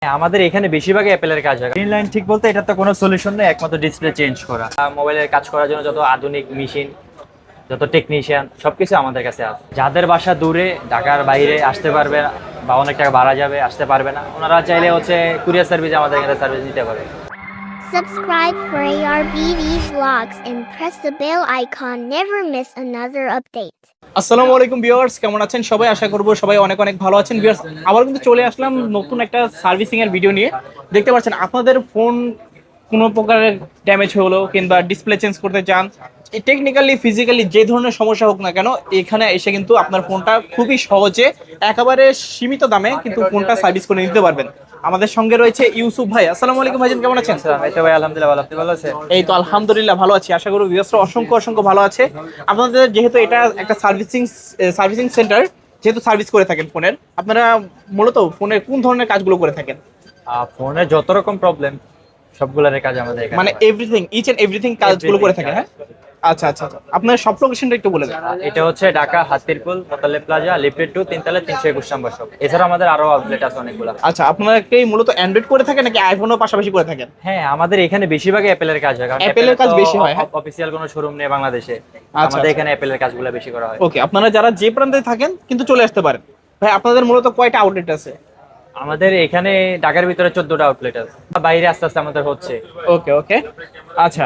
আমাদের এখানে বেশিরভাগ অ্যাপেলের কাজ হয়। গ্রিন লাইন ঠিক বলতে এটা তো কোনো সলিউশন নেই, একমাত্র ডিসপ্লে চেঞ্জ করা। মোবাইলের কাজ করার জন্য যত আধুনিক মেশিন, যত টেকনিশিয়ান সবকিছু আমাদের কাছে আছে। যাদের বাসা দূরে, ঢাকার বাইরে আসতে পারবে না বা অনেক টাকা ভাড়া যাবে, আসতে পারবে না, ওনারা চাইলে কুরিয়ার সার্ভিস আমাদের এখানে সার্ভিস নিতে পারে। Subscribe for ARBV vlogs and press the bell icon. Never miss another update. আসসালামু আলাইকুম ভিউয়ার্স, কেমন আছেন সবাই? আশা করব সবাই অনেক অনেক ভালো আছেন। ভিউয়ার্স, আবার কিন্তু চলে আসলাম নতুন একটা সার্ভিসিং এর ভিডিও নিয়ে। দেখতে পাচ্ছেন আপনাদের ফোন কোনো প্রকারের ড্যামেজ হলো কিংবা ডিসপ্লে চেঞ্জ করতে চান, টেকনিক্যালি ফিজিক্যালি যে ধরনের সমস্যা হোক না কেন, এখানে এসে কিন্তু আপনার ফোনটা খুবই সহজে একেবারে সীমিত দামে কিন্তু ফোনটা সার্ভিস করে নিতে পারবেন। আমাদের সঙ্গে রয়েছে ইউসুফ ভাই। আসসালামু আলাইকুম ভাইজান, কেমন আছেন? এই তো ভাই আলহামদুলিল্লাহ ভালো, আপনি ভালো আছেন? এই তো আলহামদুলিল্লাহ ভালো আছি। আশা করি ভিউয়ার্সরা অসংখ্য অসংখ্য ভালো আছে। আপনাদের যেহেতু এটা একটা সার্ভিসিং সেন্টার, যেহেতু সার্ভিস করে থাকেন ফোনের, আপনারা মূলত ফোনের কোন ধরনের কাজগুলো করে থাকেন? ফোনে যত রকম প্রবলেম সবগুলোর কাজ আমাদের এখানে মানে হয়। এভরিথিং, ইচ এন্ড এভরিথিং কাজগুলো করে থাকেন, হ্যাঁ? আচ্ছা আচ্ছা আচ্ছা, আপনার সব লোকেশনটা একটু বলে দেন। এটা হচ্ছে ঢাকা হাতিরপুল মোতালে প্লাজা লিফটেড 2 তিনতলা 321 নম্বর শপ। এছাড়া আমাদের আরো আউটলেট আছে অনেকগুলো। আচ্ছা, আপনারা কি মূলত অ্যান্ড্রয়েড করে থাকেন নাকি আইফোনও পাশাপাশি করে থাকেন? হ্যাঁ, আমাদের এখানে বেশিরভাগ অ্যাপেলের কাজ হয়, কারণ অ্যাপেলের কাজ বেশি হয়, হ্যাঁ? অফিসিয়াল কোনো শোরুম নেই বাংলাদেশে। আচ্ছা, আমাদের এখানে অ্যাপেলের কাজগুলো বেশি করা হয়। ওকে, আপনারা যারা যে প্রান্তে থাকেন কিন্তু চলে আসতে পারেন। ভাই, আপনাদের মূলত কয়টা আউটলেট আছে? আমাদের এখানে ঢাকার ভিতরে 14টা আউটলেট আছে, বাইরে আস্তে আস্তে আমাদের হচ্ছে। ওকে ওকে, আচ্ছা।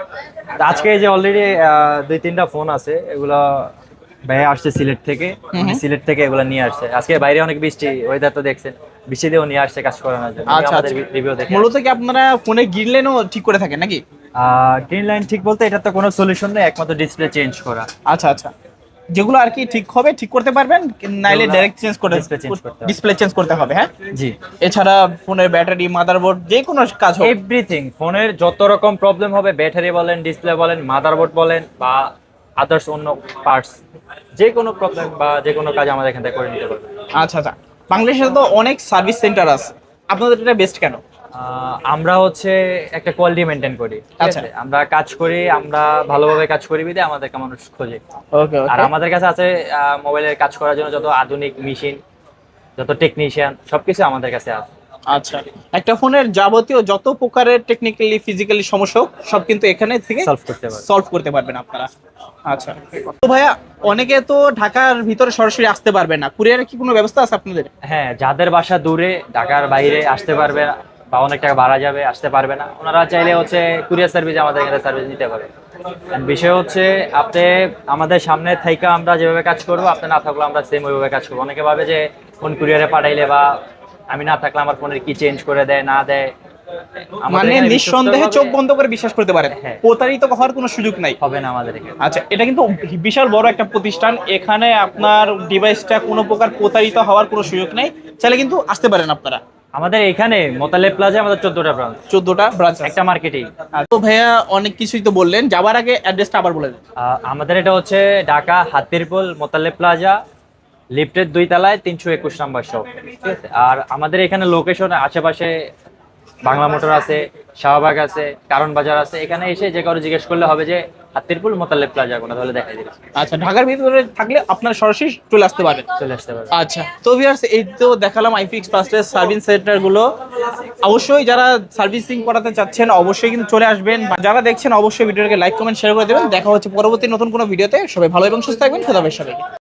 আজকে যে অলরেডি 2-3টা ফোন আছে, এগুলো ভাইয়া আসছে সিলেট থেকে। সিলেট থেকে এগুলো নিয়ে আসছে। আজকে বাইরে অনেক বৃষ্টি, ওয়েদার তো দেখছেন, বৃষ্টি দিয়েও নিয়ে আসছে কাজ করানোর জন্য। আচ্ছা আমাদের আচ্ছা, রিভিউ দেখে মূলত কি আপনারা ফোনে গ্রিনলাইনও ঠিক করে থাকেন নাকি? গ্রিন লাইন ঠিক বলতে এটা তো কোনো সলিউশন নেই, একমাত্র ডিসপ্লে চেঞ্জ করা। আচ্ছা আচ্ছা, যেগুলো আর কি ঠিক হবে ঠিক করতে পারবেন, নাইলে যেগুলো ডাইরেক্ট চেঞ্জ করে display change করতে হবে। ডিসপ্লে চেঞ্জ করতে হবে, হ্যাঁ? জি, এছাড়া ফোনের ব্যাটারি, মাদারবোর্ড, যে কোনো কাজ হোক। এভরিথিং, ফোনের যত রকম প্রবলেম হবে, ব্যাটারি বলেন, ডিসপ্লে বলেন, মাদারবোর্ড বলেন বা আদার্স অন্য পার্টস, যে কোনো প্রবলেম বা যে কোনো কাজ আমাদের এখান থেকে করে নিতে পারবে। আচ্ছা আচ্ছা, বাংলাদেশে তো অনেক সার্ভিস সেন্টার আছে, আপনাদের এটা বেস্ট কেন? আমরা একটা কোয়ালিটি মেনটেন করি, ঠিক আচ্ছা। আছে? আমরা কাজ করি, আমরা ভালোভাবে কাজ করি বিধায় আমাদেরকে মানুষ খোঁজে। ওকে আর ওকে, আমাদের কাছে আছে মোবাইলের কাজ করার জন্য যত আধুনিক মেশিন, যত টেকনিশিয়ান সবকিছু আমাদের কাছে আছে। আচ্ছা। একটা ফোনের যাবতীয় যত প্রকারের টেকনিক্যালি ফিজিক্যালি সমস্যা হোক, সব কিন্তু এখানে থেকে সলভ করতে পারবে। সলভ করতে পারবেন আপনারা। আচ্ছা, তো ভাইয়া, অনেকে তো ঢাকার ভিতরে সরাসরি আসতে পারবে না, কুরিয়ারের কি কোনো ব্যবস্থা আছে আপনাদের? হ্যাঁ, যাদের বাসা দূরে, ঢাকার বাইরে আসতে পারবে না বা অনেক টাকা ভাড়া যাবে, আসতে পারবে না, ওনারা চাইলে কুরিয়ার সার্ভিস আমাদের এখানে সার্ভিস নিতে পারে। বিষয় হচ্ছে, আপনি আমাদের সামনে থেকে আমরা যেভাবে কাজ করবো, আপনি না থাকলে আমরা সেম ওইভাবে কাজ করবো। অনেকে ভাবে যে ফোন কুরিয়ারে পাঠাইলে বা আমি না থাকলে আমার ফোনের কি চেঞ্জ করে দেয় না দেয়। আমাদের মানে এখানে নিঃসন্দেহে চোখ বন্ধ করে বিশ্বাস করতে পারেন, হ্যাঁ। প্রতারিত হওয়ার কোনো সুযোগ নাই। হবে না আমাদের এখানে। আচ্ছা, এটা কিন্তু বিশাল বড় একটা প্রতিষ্ঠান, এখানে আপনার ডিভাইসটা কোনো প্রকার প্রতারিত হওয়ার কোনো সুযোগ নেই, চাইলে কিন্তু আসতে পারেন আপনারা। আমাদের এখানে মোতালে প্লাজা আমাদের 14টা ব্রাঞ্চ, 14টা ব্রাঞ্চ, একটা মার্কেটিং। তো ভাইয়া অনেক কিছুই তো বললেন, যাবার আগে অ্যাড্রেসটা আবার বলে দেন। আমাদের এটা হচ্ছে ঢাকা হাতিরপুল মোতালে প্লাজা লিফটের 2 তলায় 321 নম্বর শপ, ঠিক আছে? আর আমাদের এখানে লোকেশন আশেপাশে বাংলা মোটর আছে, শাহবাগ আছে, কারণ বাজার আছে। এখানে এসে যে কারো জিজ্ঞেস করলে হবে যে হাতিরপুল মোতালে প্লাজা কোনা, তাহলে দেখাই দিবে। আচ্ছা, ঢাকার ভিতরে থাকলে আপনারা সরাসরি চলে আসতে পারবেন। চলে আসতে পারবে। আচ্ছা, তো ভিউয়ার্স, এই তো দেখালাম আইফিক্স ফার্স্টের সার্ভিস সেন্টার গুলো। অবশ্যই যারা সার্ভিসিং করাতে চাচ্ছেন অবশ্যই কিন্তু চলে আসবেন। যারা দেখছেন অবশ্যই ভিডিওটাকে লাইক কমেন্ট শেয়ার করে দেবেন। দেখা হচ্ছে পরবর্তী নতুন কোনো ভিডিওতে। সবাই ভালো এবং সুস্থ থাকবেন। খোদা হাফেজ সবাইকে।